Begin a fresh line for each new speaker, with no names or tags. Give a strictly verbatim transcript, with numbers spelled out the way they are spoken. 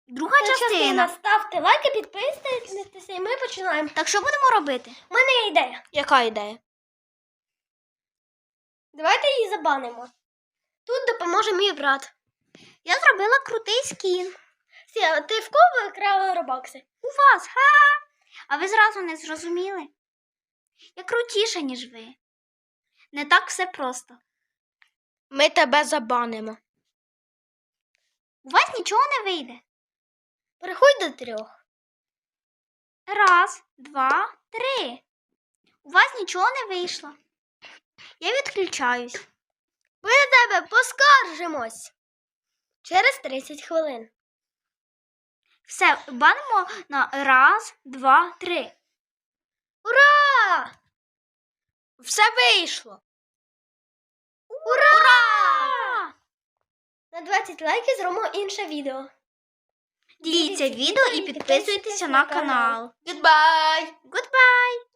Друга частина.
Ставте лайки, підписуйтесь, і ми починаємо.
Так що будемо робити?
У мене є ідея.
Яка ідея?
Давайте її забанимо. Тут допоможе мій брат.
Я зробила крутий скін.
Сі, ти в кого викрала робокси?
У вас, ха! А ви зразу не зрозуміли? Я крутіша, ніж ви. Не так все просто.
Ми тебе забанимо.
У вас нічого не вийде.
Переходь до трьох.
Раз, два, три. У вас нічого не вийшло. Я відключаюсь.
Ми на тебе поскаржимось. Через тридцять хвилин.
Все, банимо на раз, два, три.
Ура! Все вийшло.
Ура! Ура!
На двадцять лайків зробимо інше відео.
Діліться відео і підписуйтеся на канал.
Goodbye!
Goodbye!